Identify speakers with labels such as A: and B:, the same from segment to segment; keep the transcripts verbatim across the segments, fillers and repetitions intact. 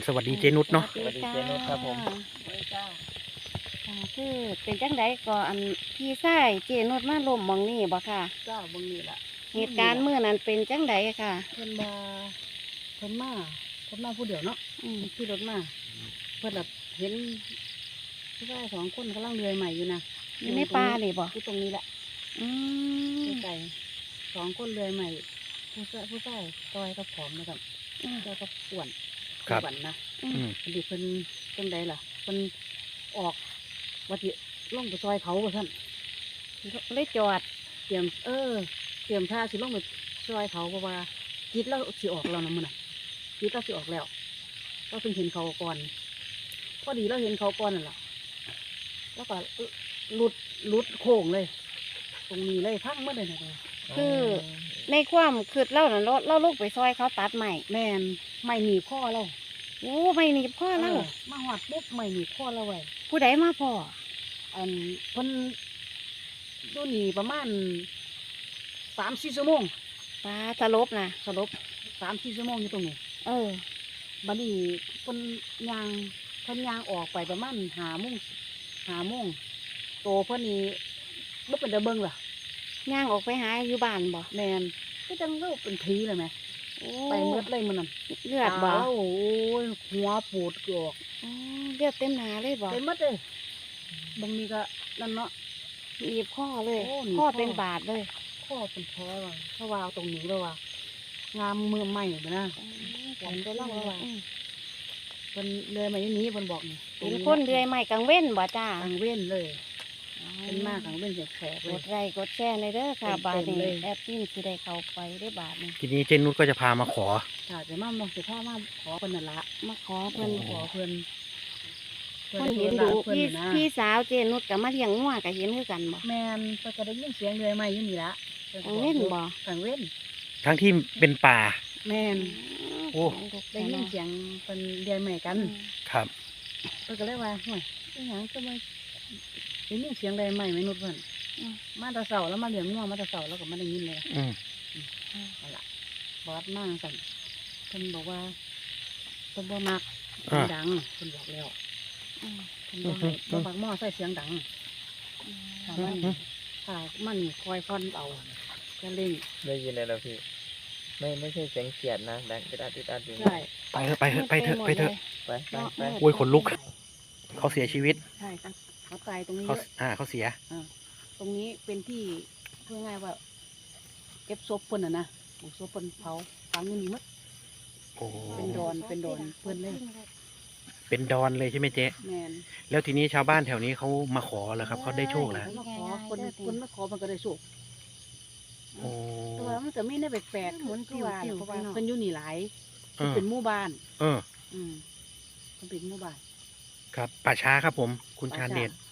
A: สวัสดีเจนุชเนาะ
B: สวัสดีเจนุชครับผมสวัสดีจ้า
C: คือเป็นจังไดก็อันพี่ชายเจนุชมาล้มหมองนี่บ่ค่ะ
B: จ้าบางนี่แหละ
C: เหตุการณ์เมื่อนั้นเป็นจังไดค่ะ
B: เพิ่นมาเพิ่นมาเพิ่นมาผู้เดียวเนาะ
C: อืม
B: ขี่รถมาเพิ่นแบบเห็นผู้ชายสองคนกำลังเรือยใหม่อยู่นะ
C: อยู่ในป่านี่บ่
B: อยู่ตรงนี้แหละ
C: อืม
B: ไก่สองคนเรือยใหม่ผู้ชายผู้ชายต้อยก็ผอมนะครับต้อยก็อ้วนอ้วนนะ
C: อืม
B: พอดีเพิ่นจังใดล่ะเพิ่นออกว่าสิลงไปซอยเขาว่าซั่น
C: เลยจอด
B: เตรียมเออเตรียมท่าสิลงไปซอยเขาเพราะว่าจิตเราสิออกแล้วนะมันน่ะจิตเราสิออกแล้วเราเพิ่งเห็นเขาก่อนพอดีเราเห็นเขาก่อนนั่นแหละแล้วก็หลุดหลุดโค้งเลย ตรงนี้เลยพังเมื่อเลยนะ
C: คือในความคืดเล่าน่ะเราเราลูกไปซอยเขาตัดใหม่
B: แม่นไม่หนีบข้อเรา
C: โอ้ไม่หนีบพ่อเล่า
B: มาหอดปุ๊บไม่หนีบข้อเราไว้
C: ผู้ใดมาพ่อ
B: อันเพิ่นดูนี่ประมาณสามสี่ชั่วโมง
C: ปลาสลบนะ
B: สลบสามสี่ชั่วโมงอยู่ตรงนี้
C: เออ
B: บัดนี้เพิ่นยางเพิ่นยางออกไปประมาณห้าโมงห้าโมงโตเพิ่นนี่บ่เป็นตาเบิ่งล่ะ
C: ย่างออกไปหาอยู่บ้านบ่
B: แม่นก็จังเล่าเป็นผีเลยไหมไปเมืดเลยมันนั่น
C: เลือดบ่
B: โอ้ยหัวปูดออก
C: เลือดเต็มหนาเลยบ่
B: เต็มหมดเลยบางนี้ก็นั่นเนาะ
C: หนีบข้อเลย
B: ข้
C: ข้
B: อ
C: อเป็นบาดเลย
B: ข้อเป็นแผลว่ะเพราะว่าตรงนี้เลยว่ะงามมือใหม่นะผมก็เล่าว่าเป็นเลยมาอย่างนี้เพิ่นบอกนี่
C: เป็นคนเดือยใหม่กังเว้นบ่จ้า
B: กังเว้นเลยเป็นมากกังเว้นแผลเล
C: ก
B: ย
C: ดไลค์กดแชร์ในเด้อค่ะบาทนี้แอปปิ้นสิได้เข้าไปได้บาทนี้
A: ทีนี้เจนุชก็จะพามาขอ
B: ค่ะจะมามองสิพ่อมาขอเพิ่นนั่นละ
C: มาขอเพิ่น
B: ขอเพิ่น
C: คนเห็นดูพี่พี่สาวเจนุชกับมาเลี้ยงงัวกับเห็นคือกันบ่
B: แม่นเพิ่นก็ได้ยินเสียงเลยใหม่อยู่นี่ละ
C: กังเว้นบ่
B: กังเว้น
A: ทั้งที่เป็นป่า
B: แม่น
A: โอ้
B: ได้ยินเสียงเป็นเรียนใหม่กัน
A: ครับ
B: เพิ่นก็เลยว่าห่วยอีหยังก็มาได้ยินเสียงเรียนใหม่ไม่นุดเพิ่นมาแตะเสาแล้วมาเลี้ยงงัวมาแตะเสาแล้วก็มาได้ยินเลย
A: อืม
B: เอาล่ะบอสมากสั่นเพิ่นบอกว่าเพิ่นบ่มักดังเพิ่นบอกแล้วเพิ่นบ่ให้บ่มักหม้อใส่เสียงดังถ้ามันถ้ามันคอยฟันเอาก็เล่น
D: ได้ยินเลยแล้วพี่ไม่ไม่ใช่เสียงเขียดนะดังติดอัดติดอัดอยู่
B: ใช่
A: ไปเถอะไปเถอะไปเถอะไปเถอะ
D: ไปไปไป
A: โอ้ยขนลุกเขาเสียชีวิต
B: ใช่ครับเขาตายตรงนี้
A: เขาอ่าเขาเสีย
B: อ่าตรงนี้เป็นที่พูดง่ายว่าเก็บศพเพิ่นน่ะนะศพเพิ่นเผาฝังอยู่นี่หมดเป็นดอนเป็นดอนเพิ่นเลย
A: เป็นดอนเลยใช่ไหมเจ๊
B: แม่น
A: แล้วทีนี้ชาวบ้านแถวนี้เขามาขอเหรอครับเขาได้โชคแล้ว
B: มาขอคนคนมาขอมันก็ได้โชค
A: โอ้
B: แต่ว่ามันก็ไม่ได้แปลกๆเหมือนที่ว่าเพราะว่าเพิ่นอยู่นี่หลายเป็นหมู่บ้าน
A: เออ
B: อืมมันเป็นหมู่บ้าน
A: ครับป่าช้าครับผมคุณชาญเดช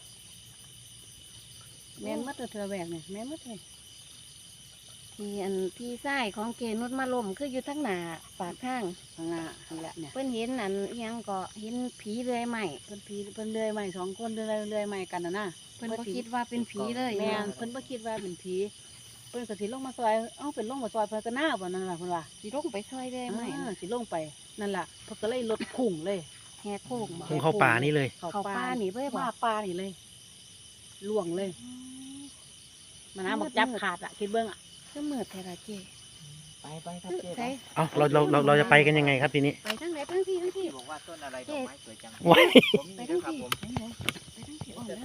B: แม่นมัดเธอแหวกเนี่ยแม่นมัดเลย
C: ที่อันพี่ชายของเจนุชมาล้มคืออยู่ทั้งหน้าปากทาง
B: ข้างหน้านี่แหละเนี่ย
C: เพิ่นเห็นอันยังก็เห็นผีเลื่อยใหม่
B: เพิ่นผีเพิ่นเลื่อยใหม่สองคนเลื่อยเลื่อยใหม่กันนะนะ
C: เพิ่นบ่คิดว่าเป็นผีเลย
B: แม่นเพิ่นบ่คิดว่าเป็นผีเพิ่นก็สิลงมาซอยเอ้าเป็นลงมาซอยเพิ่นก็หน้าบ่นั่นล่ะเพิ่นว่า
C: สิลงไปซอยเลื่อยใหม่
B: สิลงไปนั่นล่ะเพิ่นก็เลยลดพุ่งเลย
C: แหกโค้ง
A: พุ่งเข้าป่านี่เลย
C: เข้าป่านี่เลย
B: มาป่านี่เลยล่วงเลยมันน้ำมันจับขาดอ่ะคิดเบิ้งอ่ะ
C: ก็มืดแท้ละเจ๊
D: ไปไปครับเจ๊
A: เอ้าเราเราเราเราจะไปกันยังไงครับทีนี้
C: ไปทางไหนทางที่ทางที่
D: บอกว่าต้นอะไรดอกไม้สวยจัง
C: ไปทางที่ไปทางที่อ่อนเลย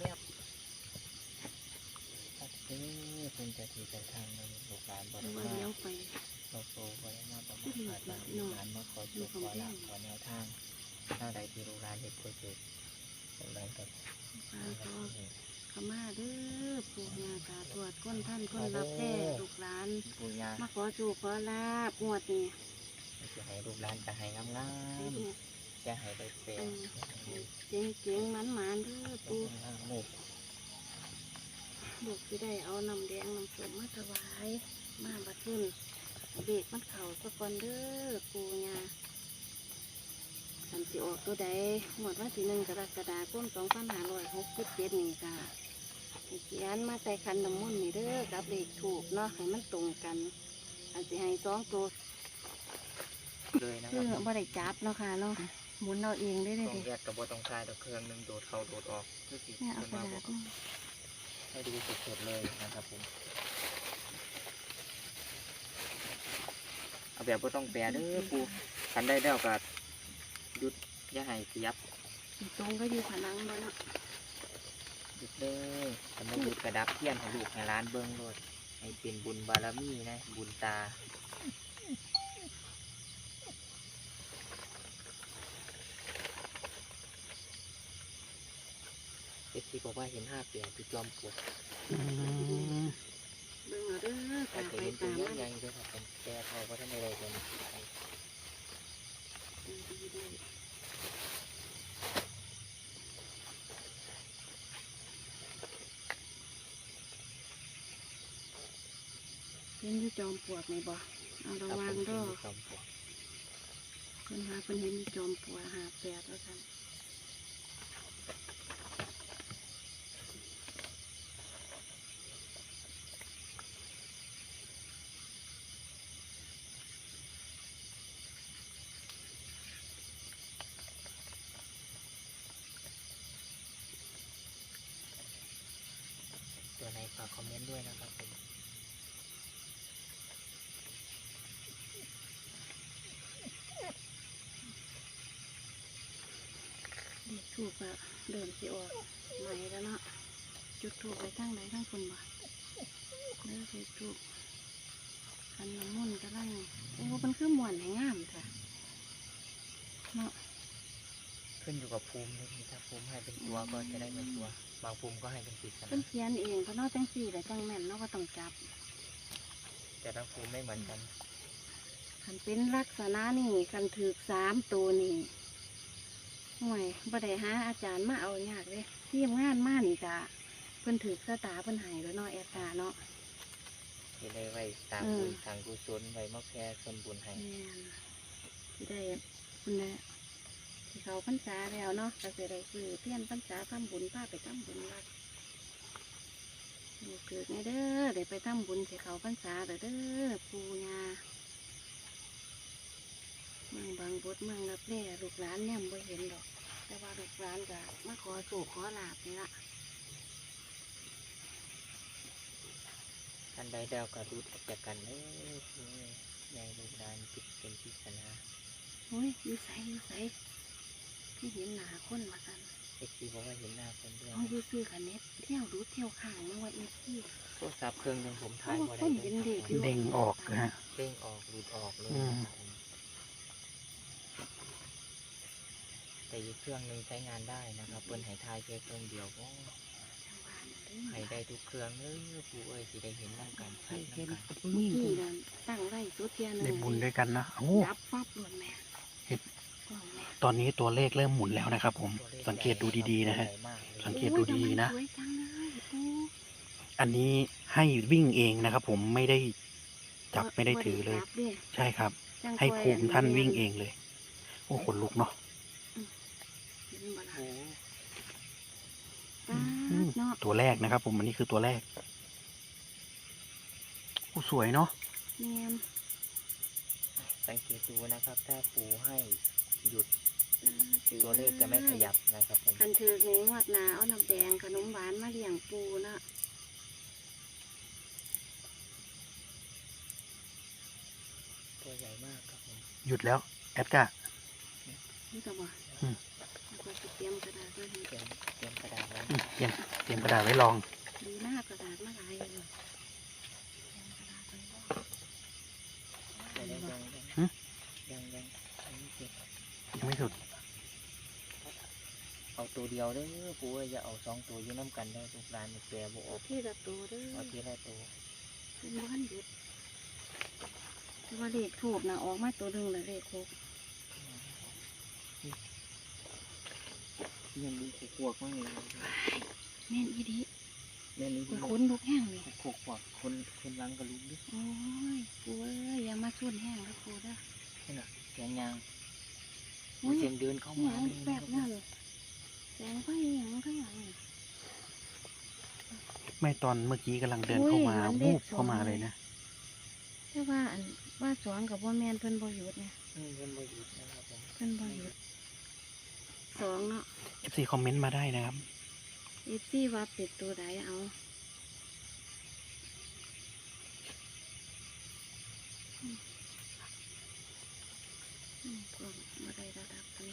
D: นี่เป็นจะทีจะทางในลูกหลานบริวารเราโตบริวารประมาณอาจารย์ลูกหลานมาขอจุดขอหลังขอแนวทางทางใดที่ลูกหลานเห็นควรจุดอะไรกับ
C: ขม่าเด้อปู่ย่าตาทวดคนท่านคนรับแท้ลูกหลานมาขอจูขอลาบงวดนี่
D: จะให้ลูกหลานจะให้งามงามจะให้ได้เป็น
C: เจ๋งเจ๋งมันหมานเด้อปู่ลูกที่ได้เอาน้ำแดงน้ำส้มมาถวายมาบัดนี้เด็กมันเข่าสะกอนเด้อปู่ย่าสันติออกตัวใดหมดวันที่หนึ่งกรกฎาคมสองพันห้าร้อยหกสิบเจ็ดนี่ค่ะเขียนมาใส่คันน้ำมันนี่เด้อกับเลขถูกเนาะให้มันตรงกันอันสิให้สองตัว
D: เลยนะค
C: คื
D: รั
C: อบ บ่ได้จับเนาะค่ะเนาะหมุนเอาเองได้
D: ต
C: เล
D: ร
C: ย
D: ง
C: ดิ
D: แยกกับบ่ต้องคลายดอกเครื่องหนึงโดดเข้าโดดออกคือสิ
C: แม่เอา
D: เพิ่น
C: กระ
D: ว่า
C: ดา
D: บ่
C: ษมา
D: ให้ดูสดๆเลยนะครับผมเอาแบบบ่ต้องแปรเด้อปูคันได้แล้วก็หยุดอย่าให้ขยับ
C: ตรงก็อยู่ผนังบ่เนาะ
D: หยุดเลยคันบ่หยุดกระดับเทียนให้ลูกให้หลานเบิ่งโลดให้เป็นบุญบารมีนะบุญตาเอ็กซี่บอกว่าเห็นห้าเปียที่จอมปลวก
A: อืม
C: เบิ่งเอาเด้อ
D: อา
C: ตา
D: จจะ
C: ไป
D: เห็นตัว
C: ตาม
D: ใหญ่
C: มัน
D: ๆด้วยครับผมแต่พอว่าท่านใดๆตัวนี้
C: ดีได้เห็นอยู่จอมปลวกไหมบ่เอาระวังเด้อ
D: จอมปลวก
C: เพิ่นว่าเพิ่นเห็นอยู่จอมปลวกหาแปดแล้วกัน
D: ตัวในฝากคอมเมนต์ด้วยนะครับผม
C: เด็กถูกอะเดินสิออกใหม่แล้วเนาะจุดถูกไปทั้งไหนทั้งคนบ่เด้อเด็กถูกคันน้ำมันต์ก็ได้โอ้มันคือม่วนให้งามค่ะเนาะ
D: ขึ้นอยู่กับภูมินะพี่ถ้าภูมิให้เป็นตัวก็จะได้เป็นตัว บางภูมิก็ให้เป็นปริศ
C: เพิ่น
D: นา
C: เขียนเองเพราะเนาะจังสี่แต่จังแม่นเนาะก็ต้องจับ
D: แต่ละภูมิไม่เหมือนกัน
C: คันเป็นลักษณะนี่คันถือสามตัวนี่ห่วยบ่ได้หาอาจารย์มาเอายากเลยเทียมงานมานี่จ้ะเพิ่นถือสตาเพิ่นใหายแล้วเนาะแอดตาเนาะ
D: ที่ได้ไว้ตาม
C: เออ
D: บุญทางกุศลไว้มาแค่ส่วนบุญให้
C: แม่นสิได้คุณแม่ที่เขาพรรษาแล้วเนาะก็สิได้ซื้อเทียนพรรษาทำบุญพาไปทำบุญวัดลูกเกิดไงเด้อได้ไปทำบุญที่เขาพรรษาเด้อเด้อปู่ย่าเมืองบางบดเมืองรับแร่ลูกหลานเนี่ยบ่เห็นดอก แต่ว่าลูกหลานก็มาขอโศกขอลาบนี่ละ
D: ท่านใดแล้วก็รู้จักกันเด้อคือใหญ่ลูกหลานคิดเป็นปริศนา
C: โอ้ยอยู่ใสอยู่ใสที่เห็นหนาคนมาสั่น
D: เอ็กซี่บอกว่าเห็นหน้าคนด้วย
C: เขาอยู่ซื้อกันเน็ตเที่ยวดูเที่ยวข้างมาว่าเอฟซี
D: โทรศัพท์เครื่องหนึงผม
C: เพ
D: ถ่า
C: ราะ
D: ย
C: ว่า
D: บ่
C: ค
D: ได้
C: น
D: เล
C: เห็น
D: ย
C: เด็กอยู่
A: เด้งออกนะฮะ
D: เด้งออกหลุดออกเลย
A: อืม
D: นะครับผมแต่อีกเครื่องหนึงใช้งานได้นะครับเปิ้นให้ทายแค่เครื่องเดียวก็
C: จังหวะนั้นเด้
D: ให้
C: อ
D: ได้ทุกเครื่องเด้อผู้เอ้ยสิได้เห็นน้ำกันชัด
B: เห็น
D: น้ำกัน
B: นี่
C: ที่นั่นตั้งไว้สุดเทียน
A: ได้บุญด้วยกันนะโอ้
C: รับฟับหล่นแม่
A: เห็น
C: กล่องแม่
A: ตอนนี้ตัวเลขเริ่มหมุนแล้วนะครับผม สังเกตดูดีๆนะฮะ
D: ใหญ่มากเลย
A: สังเกตดูดีๆนะ
C: โอ้ยทำไมสวยจังเลยปู
A: อันนี้ให้วิ่งเองนะครับผมไม่ได้จับไม่ได้ถือเลย
C: บ่จับด้
A: ใช่ครับ
C: จัง
A: ให้
C: ปล่อย
A: ภูมิท่าน
C: อั
A: วิ่งเองเลย โอ้ขนลุกเนาะ
C: เห็นบ่ล่ะ
D: โอ้
C: ป๊าดเนาะ
A: ตัวแรกนะครับ ผมอันนี้คือตัวแรกโอ้สวยเนาะ
C: แม่น
D: สังเกตดูนะครับ ถ้าปูให้หยุด
C: อ่าถือ
D: ตัวเลขจะไม่ขยับนะครับผม
C: คันถือในงวดหนาเอาน้ำแดงขนมหวานมาเลี้ยงปูนะ
D: ตัวใหญ่มากครับผม
A: หยุดแล้วแอดกา
C: นี่ก็บ่
A: อืม
C: แล้วก็สิเตรียมกระดาษมาให้
D: เตรียมเตรียมกระดาษไว้
A: อืมเตรียมเตรียมกระดาษไว้ลอง
C: ดีมากกระดาษมาหลายเลยเตรียมกระดาษไว้บ่
D: แต่ยังยัง
A: หึ
D: ยังยังยังไม่เสร็จ
A: ยังไม่สุด
D: เอาตัวเดียวเด้อปูเอ้ยอย่าเอาสองตัวอยู่น้ำกันได้อลูกหลานนี่แปรบ่อ
C: เอา
D: อก
C: ที่ละตัวเด้อ
D: เอาทีละตัว
C: เป็นบ้านหยุดแต่ว่าเลขถูกนะออกมาตัวหนึงละเลขถูก
D: ยังมีขวกๆมั่งเลย
C: แม่นอีดี
D: แม่นี่
C: ไปค้นลูกแห้งเลย
D: ขวกขวกๆคนคนล้างกระลุกดิ
C: โอ้ยปูเอ้ยอย่ามาสุ่นแห้งแล้วปูเด้อ
D: นี่น่ะเสียงยาง
C: อุ้ย
D: เสียงเดินเข้า
C: ห
D: มา
C: ยัง
D: เลย
C: แบ
D: นะ
C: บ
D: ครับ
C: นั้นแสงไฟหยังก็หยัง
A: ไม่ตอนเมื่อกี้กำลังเดินเข้ามา
C: อุ้ยมันเล
A: วู
C: ข
A: บเข้ามา
C: สอง
A: เลยนะ
C: แต่ว่าอันว่าสองกับว่าแมนเพิ่นบ่หยุดเนี่ย
A: อ
D: อืมเป็นบหยุดนะครับผม
C: เพิ่นบ่หยุดสองเนาะ
A: เอฟซีคอมเมนต์มาได้นะครับ
C: เอฟซีว่าเป็ดตัวใดเอาอืมอืมก็บ่ได้ระดับนี้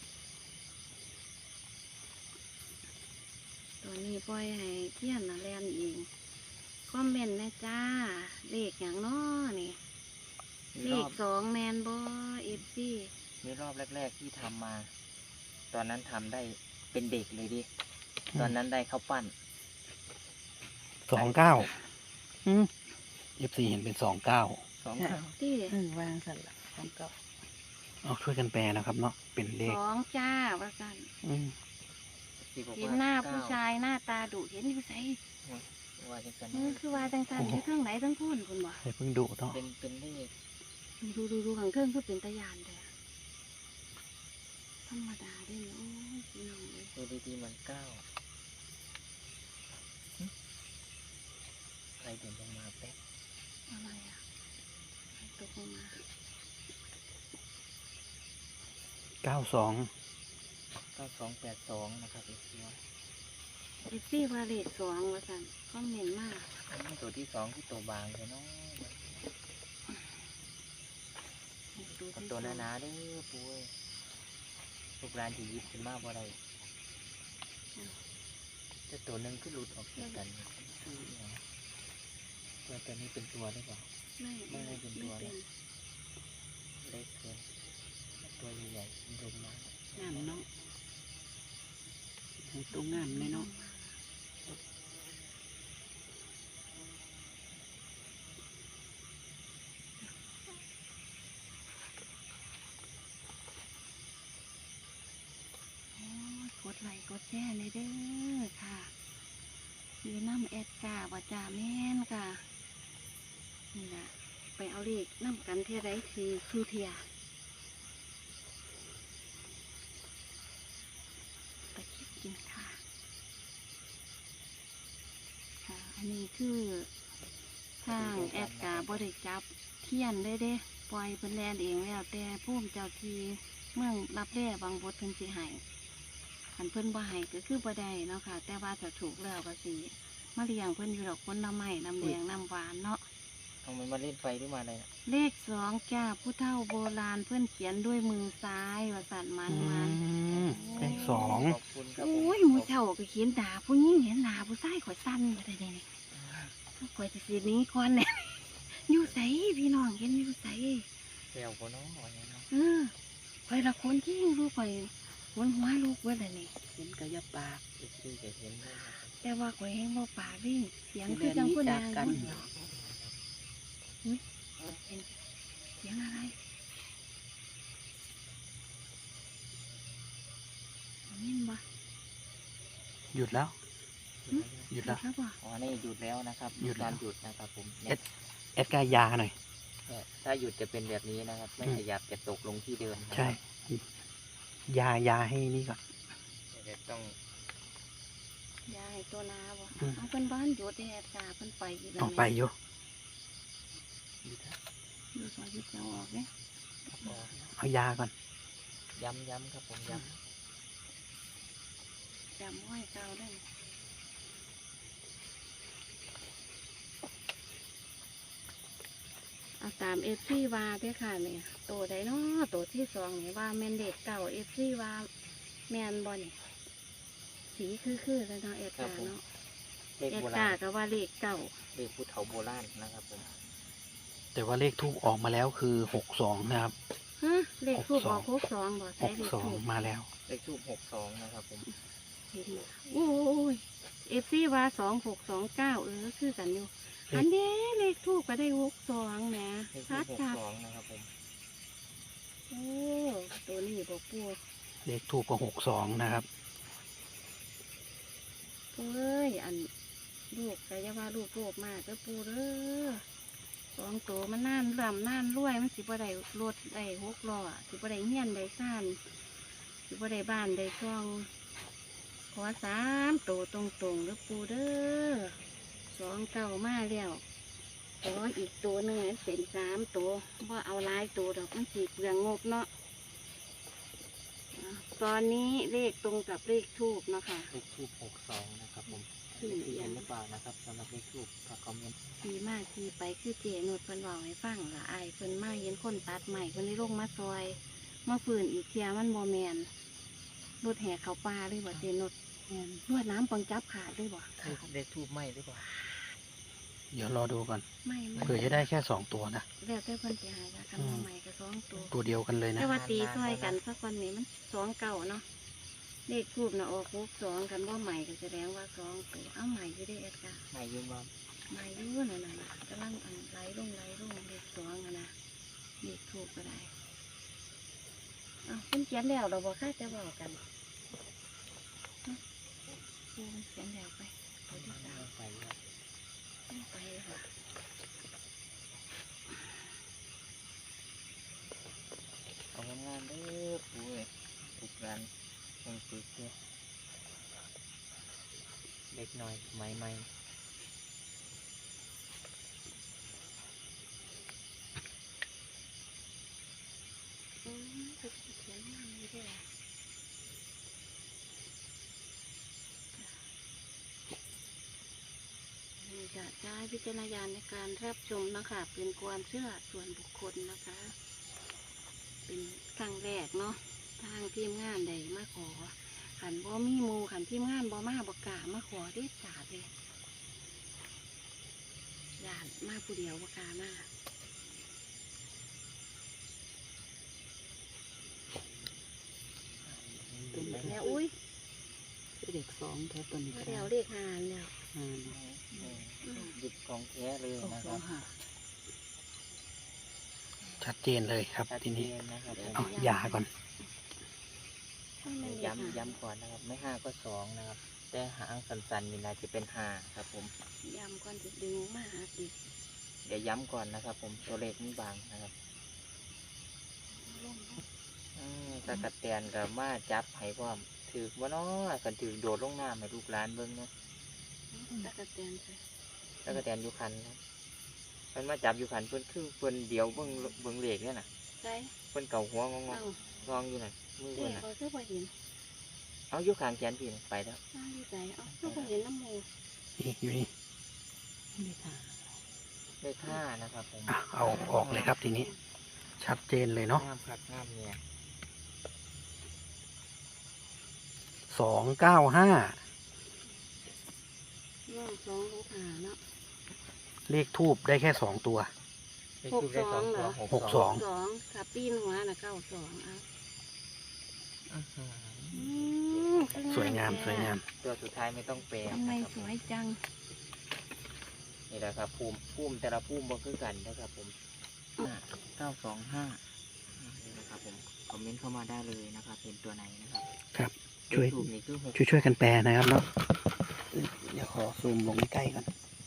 C: ตอนนี้ปล่อยให้เทียนน่ะแลนเองคอมเมนต์นะจ้าเลขอย่างน้อนี่
D: มี
C: เล
D: รอ
C: ข
D: บ
C: สองแมนบอเอฟซี
D: มีรอบแรกๆที่ทำมา ตอนนั้นทำได้เป็นเด็กเลยดิ ตอนนั้นได้ข้าวปั้น
A: สองเก้าเอฟซีเห็นเป็นสองเก้า
D: สองเก้า
C: ที่
B: เออวางสั่นละของเก่า
A: เอาช่วยกันแปลนะครับเนาะเป็นเลข
C: สองจ้าว่ากัน
A: อืม
D: ที่บอก
C: เห็น
D: ว่า
C: หน้า
D: เก้
C: ผู้ชายหน้าตาดุเห็นอยู่ไส
D: ว่าจะกัน
C: เออคือว่าจังสันอยู่เครื่องไหนทั้งพูนคุณบ่
A: ให้เพิ่งดูเนาะ
D: เป็นเป็นเลข
C: ดูดูดูขังเครื่องคือเป็นตะยานแต่ธรรมดาเด้เนาะพี่น้องเลย
D: ดูดีๆมันเก้าหึอะไรเด่นลงมาแป๊บ
C: อะไรอ่ะตกลงมา
A: เก้าสอง
D: เก้าสองแปดสองนะครับอีกตัว
C: เอฟซีว่าเลขสองว่าสันคอมเมนต์มาก
D: อันนี้ตัวที่สองคือตัวบางเลยเนาะ
C: ดู
D: เอา
C: ที่
D: ตัว
C: ส
D: ห
C: อง
D: นาๆเด้อปุ้ยลูกร้านที่ยิบขึ้นมาบ่ได้แต่ตัวหนึ่งคือหลุดออกจากกันคืออหยังตัวตัวนี้เป็นตัวหรือเปล่า
C: ไม่
D: ไม่ได้เป็นตัว
C: ไม่
D: นะ เล็กเกินตัวใหญ่ๆลงมาง
B: ามเนาะให้ตัวงามเลยเนาะ
C: โอ้ยกดไลค์กดแชร์เลยเด้อค่ะอยู่น้ำแอดกาว่าจ่าแม่นค่ะนี่แหละไปเอาเลขน้ำกันเท่าไรคือคือเทียไปคิดกินค่ะ ค่ะ อันนี้คือทางแอดกาบริจับเทียนได้เด้ปล่อยเป็นแลนเองแล้วแต่พุ่มเจ้าทีเมืองรับแร่บางบทเพิ่นสิให้ขันเพิ่นบ่ให้ก็คือบ่ได้เนาะค่ะ แต่ว่าถ้าถูกแล้วก็สิมาเลี้ยงเพิ่นอยู่ดอกคนน้ำไม้น้ำแดงน้ำหวานเนาะ
D: เอามันมาเล่นไฟหรือมาอะไรน่ะ
C: เลขสองจ้าผู้เฒ่าโบราณเพื่อนเขียนด้วยมือซ้ายว่าสันมัน
A: อื
C: มัน
A: มเลขสอง
D: ขอบคุณครับ
C: โอ้ยหมูเฒ่าก็เขียนด่าผู้หญิงเห็นด่าผู้ชายข่อยสั้นมาได้เลยข่อยจะสีนี้ก่อนเนี่ย อยู่ใสพี่น้องเห็นอยู่ใส
D: แก้วก็น้องอะไรเนาะ
C: เออข่อยละคนที่รู้ข่อยหัวหัวลูกเว้ยเลยนี่
B: เห็นกระยับปาก
D: อีกทีจะเห็นด้วยนะครับ
C: แต่ว่าข่อยแห้งบ่ปากวิ่งเสียง
B: สิ
C: คือ
B: เรียน
C: จัง
B: นี้
C: ผู้
B: จาก
C: นาง
B: กัน
C: เนาะเห็นเสียงอะไรเห็นบ่
A: หยุดแล้ว หยุดแล้ว
C: ครับบ่
D: อ๋อนี่หยุดแล้วนะครับ
A: หยุดแล้ว
D: การหยุดนะครับผม
A: เอ็ด แอดกายาหน่อย
D: เนี่ยถ้าหยุดจะเป็นแบบนี้นะครับ ไม่
A: อืม
D: ขยับจะตกลงที่เดิมนะครับ
A: ใช่ ยายาให้นี่ก่อน
D: เดี๋ยวต้อง
C: ยายตัวนาบ่
A: อืม
C: เอาเพิ่นบ้านอยู่แต่แอดกาเพิ่นไปอยู่แล้ว
A: ออกไปอยู่
D: หยุดนะ
C: อยู่ซอยยุดจะออกเด้
D: ครับอ๋อ
A: เอายาก่อน
D: ย้ำย้ำครับผมย้
C: จำไว้เก่าได้เอาตามเอฟซีวาเด้อค่ะเนี่ยโตได้เนาะโตที่สองนี่ว่าแมนเด็กเก่าเอฟซีวาแมนบอนี่สีคือๆแล้วเนาะเอดกาเนาะ
D: ำเลข
C: เอด
D: โบ
C: กา
D: ราณ
C: ก็ว่าเลขเก่า
D: เลขผู้เฒ่าโบราณนะครับผม
A: แต่ว่าเลขทูบออกมาแล้วคือหกสองนะครับ
C: ฮะเลขทูบ
A: หกส
C: บ
A: อ
C: อง กหกสองบอก
A: ห
C: ใช้
A: ก
C: เลข
A: สอง
C: ทูบ
A: มาแล้ว
D: เลขทูบหกสองนะครับผม
C: เห็นบ่โอ้ยเอฟซีว่าสองหกสองเก้าเออคือกันอยู่
A: เลข
C: อันเด้เลขทูบก็ได้หกสองแหม
D: เลขทู
C: ชั
D: บ
C: ด
D: หก
C: ชัด
D: สองนะครับผม
C: โอ้ตัวนี้บอกปู
A: เลขทูบก็หกสองนะครับ
C: เอ้ยอันลูกแต่ยาว่าลูกโลภมากก็ปูเด้อสองตัวมันน่านลำน่านรวยมันสิบ่ได้รถได้หกล้อสิบ่ได้เฮียนได้ซ่านสิบ่ได้บ้านได้ช่องขอสามตัวตรงๆเด้อปูเด้อสองเก้ามาแล้วขออีกตัวหนึ่งให้เป็นสามตัวว่าเอาหลายตัวดอกมันสีเปลืองงบเนาะอ่ะตอนนี้เลขตรงกับเลขทูบเนาะค่ะ
D: เลขทูบหกสองนะครับผม
C: คือ
D: ที่
C: อ
D: เห็
C: ย่าน ง
D: หรือเปล่านะครับสำหรับเลขทูบถ้าคอมเมนต์
C: ทีมากทีไปคือเจนุดเพิ่นบอกให้ฟังละอายเพิ่นมาเห็นคนตัดใหม่เพิ่นได้ลงมาซอยมาฝืนอีกเทียมันโมแมนรถแห่เขาป่าเลยบ่เจนุด
B: แม่น
C: รวดน้ำปังจับขาดเลยบ่
D: เลขเลขทูบไหมหรือเปล่า
A: เดี๋ยวรอดูก่อน
C: ไม่ไม่
A: เผื่อจะได้แค่สองตัวนะ
C: แล้วแต่เพิ่นสิหายละกันมาใหม่ก็สองตัว
A: ตัวเดียวกันเลยนะ
C: แต่ว่าตีซอยกันสักวันนี้มันสองเก่าเนาะเลขทูบนะออกหกสองกันว่าใหม่ก็แสดงว่าสองตัวเอาใหม่อยู่ได้เอ็ดกา
D: ไหมยืนบอม
C: ใหม่อยู่นั่นน่ะนะกำลังอันไหลลงไหลลงเลขสองอะนะเลขทูบก็ได้อ้าวเพิ่นเขียนแล้วเราบอกค่าจะบอกกันเนาะเพิ่นเขียนแล้วไปตัวที่สาม
D: ไปครับ
C: ไปค่ะ
D: เอางานๆเด้อปุ้ยทุกร้านยังซื้อเสื้อเล็กน้อยไหมไหม
C: อืมเพิ่นเขียนมาอยู่เด้อนี่จะใช้วิจารณญาณในการรับชมนะคะเป็นความเชื่อส่วนบุคคลนะคะ เป็นครั้งแรกเนาะทางทีมงานได้มาขอขันบ่มีหมูขันทีมงานบ่มาบ่กล้ามาขอเด็ดขาดเลยญาติมาผู้เดียวบ่กล้ามาแล้วอุ้ย
B: เด็กสองแท้ตัวนี้ก็ได้
C: แล้วเรียกหานแล้ว
B: อ่า
D: หยิบของแท้เลย
B: หก
D: นะ
B: ส
D: ค
B: อ
D: รั
B: ง
D: บ
B: ห้า
A: ชัดเจนเลยครับ
D: ชัด
A: ที
D: เจ
A: นี้
D: นนะครับผม
A: เอายาก่อน
D: ย้ำย้ำก่อนนะครับ ไม่ห้าก็สองนะครับ แต่หางสันๆนี่นะจะเป็นห้าครับผม
C: ย้ำก่อนจะดึงมาหาติ
D: เดี๋ยวย้ำก่อนนะครับผมตัวเลขมันบางนะครับ
C: ลง
D: อืมตะกะแตนกับมาจับให้พร้อมถือว่าน้อกันถือโดดลงน้ำให้ลูกหลานเบิ้งเนาะ
C: ตะกะแตนใส่
D: ตะกะแตนอยู่คันครับเพิ่นมาจับอยู่คันเพิ่นคือเพิ่นเดียวเบิ้งเบิ้งเลขเนี่ยน่ะ
C: ใส่
D: เพิ่นเก่าหัวงอง
C: เอ้าง
D: องอยู่น่ะมือ
C: เจ๊
D: เพิ่นน่ะ
C: เขาคือบ่เห็น
D: เอาอยู่ข้างแขนพี่น่ะไปแล้ว
C: อ้าวอยู่ใจเอ้าคือบ่เห็นน้ำหมู
A: นี่อยู่นี่
B: เลขห้า
D: เลขห้านะครับผม
A: อ่ะเอาออกเลยครับทีนี้ ชัดเจนเลยเนาะ
D: งามคักงามเนี่ย
A: สองเก้าห้า
C: น้องสองหกหาเนาะ
A: เลขทูบได้แค่สองตัว
D: เลขทูปได้สองตัว
A: หกสอง
C: สองขับปีนหัวน่ะเก้าสองเอา
D: อื้อหือ
C: อืมคือง
A: สวยงามสวยงาม
D: ตัวสุดท้ายไม่ต้องแปล
C: ทำไม
D: นะครับ
C: สวยจัง
D: นี่แหละครับภูมิภูมิแต่ละภูมิบ่คือกันนะครับผมเก้าสองห้านี่นะครับผมคอมเมนต์เข้ามาได้เลยนะครับเป็นตัวไหนนะครับ
A: ครับ ช่วย
D: เลขทูปนี่คือหก
A: ช่วยช่วยกันแปลนะครับเนาะเดี๋ยวขอซูมลงใกล้ๆก่อน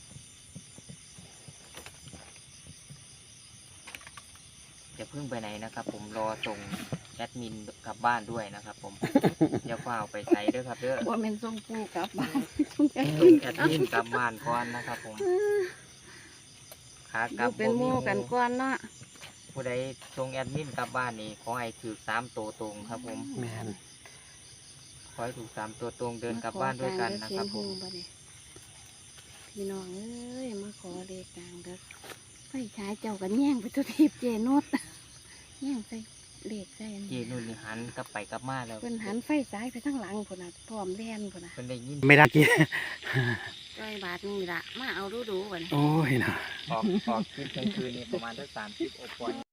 D: อย่าเพิ่งไปไหนนะครับ ผมรอส่งแอดมินกลับบ้านด้วยนะครับ ผม อย่าเฝ้าไปใส่ด้วยครับเด้อ
C: ว่าเป็นทรงปูกลับบ้านทรงแก่
D: ส่งแอดมินกลับบ้านก่อนนะครับผมขากลับ
C: เป็นหมู่กันก่อนเนาะ
D: ผู้ใดส่งแอดมินกลับบ้านนี่ขอให้ถือสามตัวตรงครับผม
A: แมน
D: ขอให้ถูกสามตัวตรงเดินกลับบ้านด้วยกันนะครับผม
C: พี่น้องเอ้ยมาขอเลขกลางเด้อไฟฉายเจ้ากันแย่งไปตัวทีบเจนุดแย่งใส่เลขใส่อัน
D: เจ
C: นี้
D: นุ่นนี่หันกลับไปกลับมาแล้ว
C: เพิ่นหันไฟฉายไปทางหลังพุ่นน่ะพร้อมแล่นพุ่นน่ะ
D: เพิ่นได้ยิน
A: ไม่ได้กี่
C: ร้อยบาทนี่ล่ะมาเอาดูดูๆบัดนี้
A: โอ้ยนะ
D: ออกออกคลิปกลางคืนนี่ประมาณสักสามสิบโอปอย